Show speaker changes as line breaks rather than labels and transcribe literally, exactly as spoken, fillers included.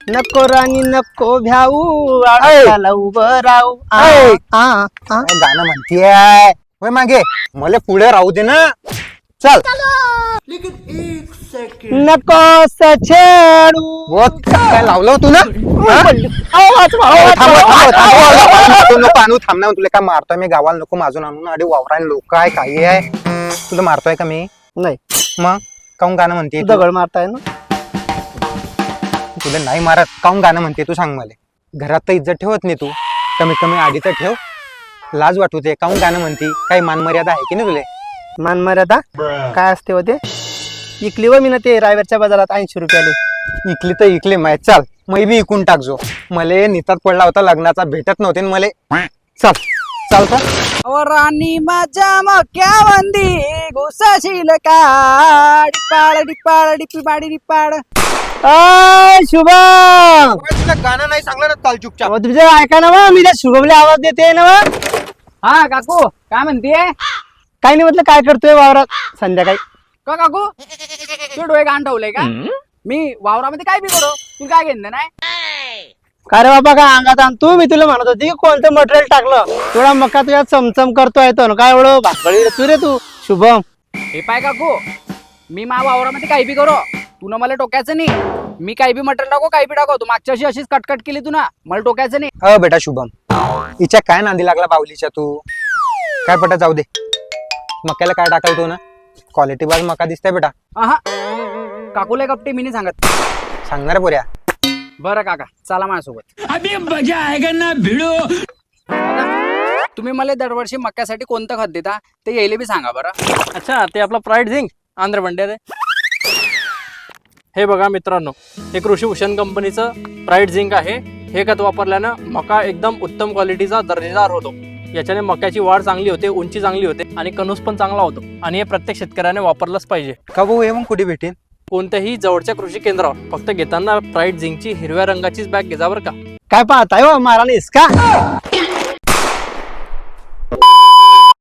नको राणी नको भ्याऊ
ऐ.
आळसाला उभं राहू आ,
ऐ.
आ, आ.
काय गाणं म्हणतीये होय मागे मला पुढे राहू दे ना चल
नको छेडू
वो काय लावलं तू ना
आवाज, आवाज,
थांब
आवाज, आवाज.
नको नको आणू थांब ना तुला काय मारतोय मी गावाला नको माझून आणून अडे वावरान लोक आहे काही आहे तुला मारतोय का मी
नाही
मग काऊन गाणं म्हणते
दगड मारताय ना
तुला नाही मारत काऊन गाणं म्हणते तू सांग मला घरात तर इज्जत ठेवत नाही तू कमीत कमी आधी तर ठेव लाज वाटू दे काऊन गाणं म्हणती काही मान मर्यादा आहे की नाही तुले
मान मर्यादा काय असते होते इकली व मी ना ते रायवरच्या बाजारात ऐंशी रुपयाले
इकली तर इकली माहित चाल मै बी इकून टाकजो मले नितात पडला होता लग्नाचा भेटत नव्हते मले चल चाल का
राणी माझ्या मक्यावंदी घुसशील का डिपाळ डिपाळ डिपी बाडी डिपाळ
अय शुभम
तुला गाणं नाही सांगलं ना चाल चुपचाप
अहो, तुझं ऐका ना वा, मी त्या शुभमला आवाज देते ना वा.
हा काकू काय म्हणतीये
काही नाही म्हटलं काय करतोय वावरात संध्याकाळी
का काकू तू डोळे घाण ठेवलंय का मी वावरामध्ये काय बी करू तुला काय घेणं नाही
का रे बाबा काय अंगात आणतो मी तुला म्हणत होती की कोणतं मटेरियल टाकलं थोडा मका तुझ्या चमचम करतोय तो ना काय एवढं भाकळी तू रे तू शुभम
हे पाय काकू मी मा वावरामध्ये काही बी करू तू ना मला टोकायचं नाही मी काही बी मटेरियल टाकू काही बी टाकू तू मागच्या वर्षी अशीच कटकट केली तू ना मला टोकायचं नाही
अ बेटा शुभम हिच्या काय नांदी लागला बावलीच्या तू काय पटा जाऊ दे मक्याला काय टाकाल तू ना क्वालिटी बाज मका दिसतंय बेटा
आहा काकूला कपटे मी नाही सांगत
सांगणार पोऱ्या
बरं काका चला माझ्यासोबत
अभी मजा आएगा ना भिड़ो।
दादा, तुम्ही मला दरवर्षी मक्यासाठी कोणतं खत देता ते यायला बी सांगा बरं
अच्छा ते आपलं प्राईड झिंक आंध्र बंड्या रे हे बघा मित्रांनो हे कृषी भूषण कंपनीचं प्राईड झिंक आहे हे खत वापरल्यानं मका एकदम उत्तम क्वालिटीचा दर्जेदार होतो याच्याने मक्याची वाढ चांगली होते उंची चांगली होते आणि कणूस पण चांगला होतो आणि हे प्रत्येक शेतकऱ्याने वापरलंच पाहिजे
का भाऊ हे मग कुठे भेटेन
कोणत्याही जवळच्या कृषी केंद्रावर फक्त घेताना प्राईड झिंकची हिरव्या रंगाचीच बॅग घ्या बरं का
काय पाहताय हो मारा नाहीस का